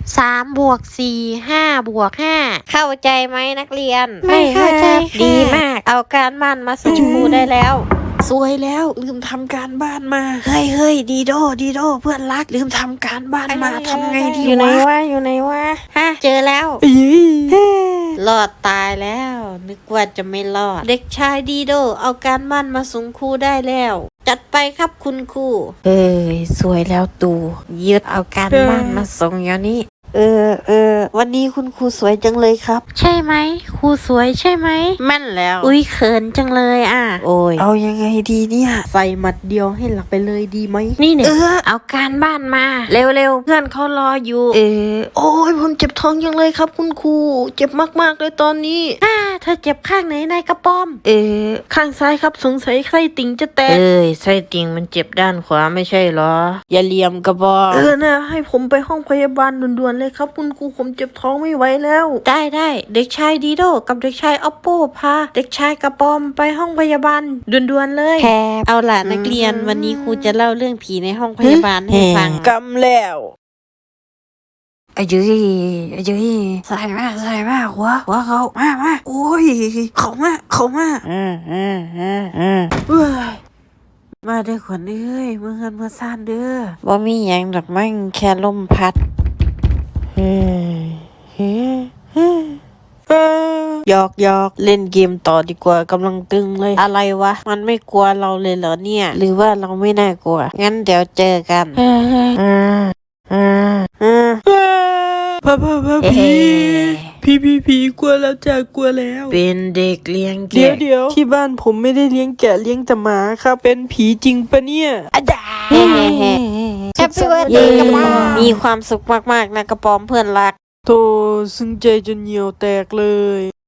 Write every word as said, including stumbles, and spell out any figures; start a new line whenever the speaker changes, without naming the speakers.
สามบวกสี่ห้าบวกห้าเข้าใจไหมนักเรียน
ไม่เข้าใจค่ะ
ดีมาก เอาการบ้านมาส่งครูได้แล้ว
สวยแล้วลืมทำการบ้านมาเฮ้ยเฮ้ยดีโดดีโดเพื่อนรักลืมทำการบ้านมาทำไงดี
อยู่ไหน
วะ
วะอยู่ไหนวะฮะเจอแล้ว
เอ้ย
รอดตายแล้ว นึกว่าจะไม่รอด เด็กชายดีโด เอาการบ้านมาส่งครูได้แล้ว จัดไปครับคุณครู
เอ้ยสวยแล้วตูยึด
เอาการบ้านมาส่งอย่างนี้
เออเออวันนี้คุณครูสวยจังเลยครับ
ใช่ไหมครูสวยใช่ไหมแม่นแล้ว อุ้ยเขินจังเลยอ่ะ
โอ้ยเอายังไงดีเนี่ย
ใส่หมัดเดียวให้หลับไปเลยดีไหม นี่เนี่ย
เออ
เอาการบ้านมา เร็วๆ เพื่อนเขารออยู่
เออโอ้ยผมเจ็บท้องยังเลยครับคุณครูเจ็บมากๆเลยตอนนี้
อ่าเธอเจ็บข้างไหนนายกระป้อม
เออข้างซ้ายครับสงสัยไส้ติ่งจะแตก
เอ้ยไส้ติ่งมันเจ็บด้านขวาไม่ใช่เหรอ อย่าเหลี่ยมกระบอก
เออนะให้ผมไปห้องพยาบาลด่วนๆเลยครับคุณครูผมเจ็บท้องไม่ไหวแล้ว
ได้ได้เด็กชายดีโดกับเด็กชายออปโปพาเด็กชายกระปอมไปห้องพยาบาลด่วนๆเลยแคบเอาล่ะนักเรียนวันนี้ครูจะเล่าเรื่องผีในห้องพยาบาลให้ฟัง
กำแล้วไอ้ยุ้ยไอ้ยุ้ยใส่มาใส่มาหัวหัวเขามามาโอ้ยเขามาเขามา
อืมอืมอืมอืม
เอ้ยมาเด้อขวัญเอ้ยเมื่อเงินเมื่อซ่านเด้อ
บ่มีหยังดอกมั้งแค่ลมพัด
เฮ้ยเฮ้ยเฮ้ยเอ้ยหยอกหยอกเล่นเกมต่อดีกว่ากำลังตึงเลย
อะไรวะ มันไม่กลัวเราเลยเหรอเนี่ย หรือว่าเราไม่น่ากลัว งั้นเดี๋ยวเจอกัน
เฮ้ย
อ่าอ่าอ่า
พ่อพ่อพ่อ
เอ๊
พี่
ะ
พี่พี่พี่กลัวแล้วจ้ากลัวแล้ว
เป็นเด็กเลี้ยง
เดี๋ยว
แกะ
เดี๋ยวที่บ้านผมไม่ได้เลี้ยงแกะเลี้ยงแต่หมาครับ เป็นผีจริงปะเนี่ยอาจารย์
เฮ้เฮ้เฮ้
แฮปปี้เบิร์ธเด
เย้
ย์กระป๋อม
มีความสุขมากๆนะกระปอมเพื่อนรัก
โตซึ้งใจจนเหนียวแตกเลย